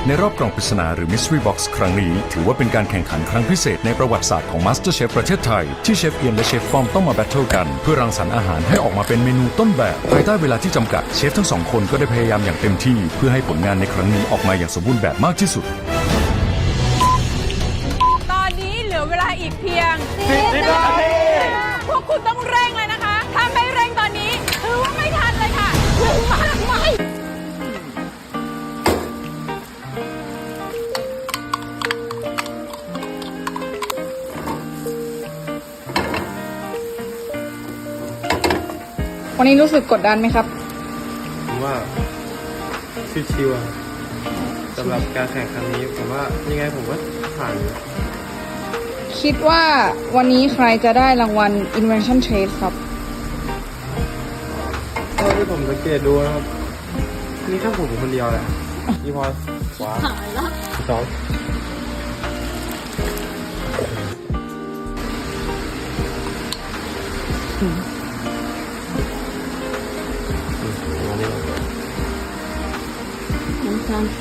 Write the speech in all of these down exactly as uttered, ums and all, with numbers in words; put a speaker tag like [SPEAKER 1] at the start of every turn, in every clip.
[SPEAKER 1] ในรอบกล่องปริศนาหรือ Mystery Box ครั้งนี้ถือว่าเป็นการแข่งขันครั้งพิเศษในประวัติศาสตร์ของ MasterChef ประเทศไทยที่เชฟเอียนและเชฟฟอมต้องมาแบทเทิลกันเพื่อรังสรรค์อาหารให้ออกมาเป็นเมนูต้นแบบภายใต้เวลาที่จำกัดเชฟทั้งสองคนก็ได้พยายามอย่างเต็มที่เพื่อให้ผลงานในครั้งนี้ออกมาอย่างสมบูรณ์แบบมากที่สุด
[SPEAKER 2] ตอนนี้เหลือเวลาอีกเพียง
[SPEAKER 3] สิบนาที
[SPEAKER 2] พวกคุณต้องเร่งเลยนะคะถ้าไม่เร่งตอนนี้ถือว่าไม่ทันเลยค่ะเร่งมากไหม
[SPEAKER 4] วันนี้รู้สึกกดดันไหมครับ
[SPEAKER 3] ผมว่าชิวๆอะสำหรับการแข่งครั้งนี้ผมว่ายังไงผมก็ผ่าน
[SPEAKER 4] คิดว่าวันนี้ใครจะได้รางวัล Invention Trade ครับ
[SPEAKER 3] เท่าที่ผมสังเกตดูนะครับนี่แค่ผมคนเดียวแหละพี่พอขวาสอง
[SPEAKER 4] น้ำตาล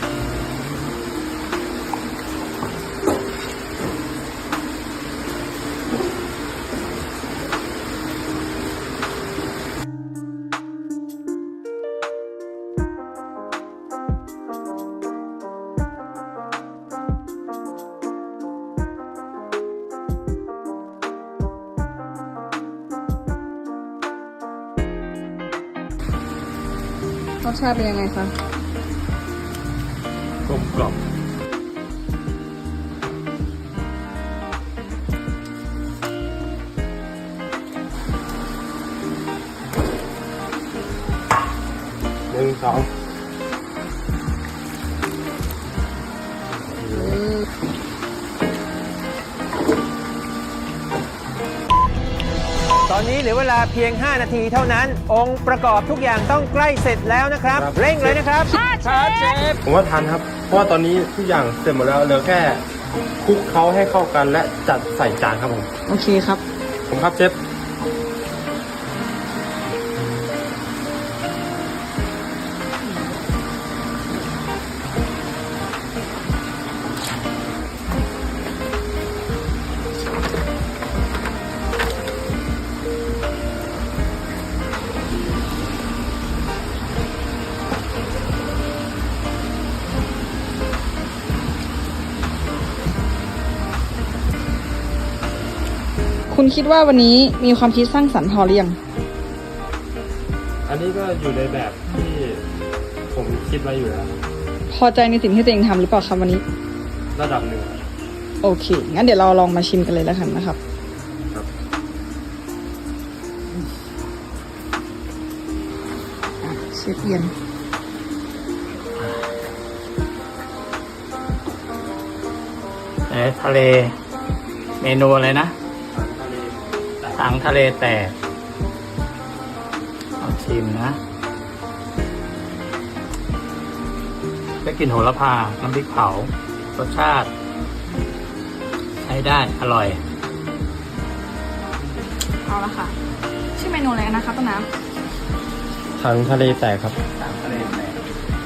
[SPEAKER 4] รสชาติเป็นยังไงคะ
[SPEAKER 3] กลมกล่อมหนึ่งสอง
[SPEAKER 5] ตอนนี้เหลือเวลาเพียงห้านาทีเท่านั้นองค์ประกอบทุกอย่างต้องใกล้เสร็จแล้วนะครับ เร่งเลยนะครับ
[SPEAKER 2] ครับเชฟ
[SPEAKER 3] ผมว่าทันครับเพราะว่าตอนนี้ทุกอย่างเสร็จหมดแล้วเหลือแค่คลุกเคล้าให้เข้ากันและจัดใส่จานครับผม
[SPEAKER 4] โอเคครับ
[SPEAKER 3] ผมครับเชฟ
[SPEAKER 4] คุณคิดว่าวันนี้มีความคิดสร้างสรรค์พอหรือยัง
[SPEAKER 3] อันนี้ก็อยู่ในแบบที่ผมคิดไว้อยู่แล้ว
[SPEAKER 4] พอใจในสิ่งที่ตัวเองทำหรือเปล่าครับวันนี้
[SPEAKER 3] ระดับหนึ่ง
[SPEAKER 4] โอเคงั้นเดี๋ยวเราลองมาชิมกันเลยแล้วกันนะครับ
[SPEAKER 3] ครับ
[SPEAKER 4] เชฟเอียน
[SPEAKER 6] เอ๊ะทะเลเมนูอะไรนะถังทะเลแตกเอาชิมนะได้กลิ่นโหระพา น้ำพริกเผารสชาติใช้ได้อร่อย
[SPEAKER 4] เอาละค่ะชื่อเมนูอะไรนะคะต้นน้ำ
[SPEAKER 3] ถังทะเลแตกครับ
[SPEAKER 6] ถังทะเลแตก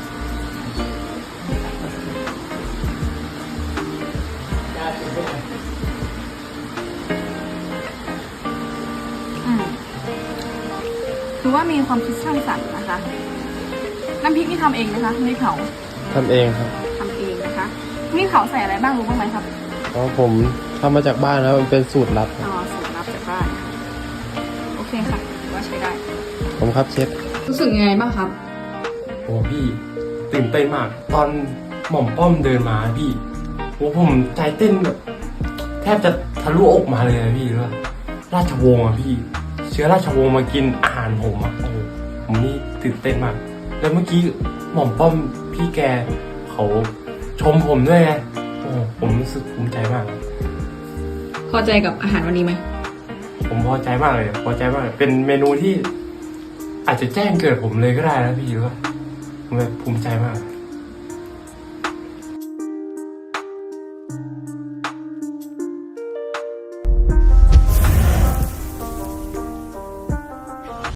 [SPEAKER 4] คือว่ามีความคิดสร้างสรรค์นะคะน้ำพริกนี่ทำเองไหมคะน้ำพริกเผา
[SPEAKER 3] ทำเองครับ
[SPEAKER 4] ทำเองนะคะน้ำพริกเผาใส่อะไรบ้างรู้บ้างไหมครับ
[SPEAKER 3] อ๋อผมทำมาจากบ้านแล้วมันเป็นสูตรลับ
[SPEAKER 4] อ๋อสูตรลับจากบ้านโอเคค่ะถือว่าใช้ได้
[SPEAKER 3] ผมครับเชฟ
[SPEAKER 4] รู้สึกยังไงบ้างครับ
[SPEAKER 3] โอ้พี่ตื่นเต้นมากตอนหม่อมป้อมเดินมาพี่โอ้ผมใจเต้นแบบแทบจะทะลุอกมาเลยพี่ว่าราชวงศ์อะพี่เชื้อราชวงศ์มากินอาหารผมอ่ะโอ้ผมนี่ตื่นเต้นมากแล้วเมื่อกี้หม่อมป้อมพี่แกเขาชมผมด้วยไงโอ้ผมรู้สึกภูมิใจมาก
[SPEAKER 4] พอใจกับอาหารวันนี้ไหม
[SPEAKER 3] ผมพอใจมากเลยพอใจมากเป็นเมนูที่อาจจะแจ้งเกิดผมเลยก็ได้นะพี่ว่าผมแบบภูมิใจมาก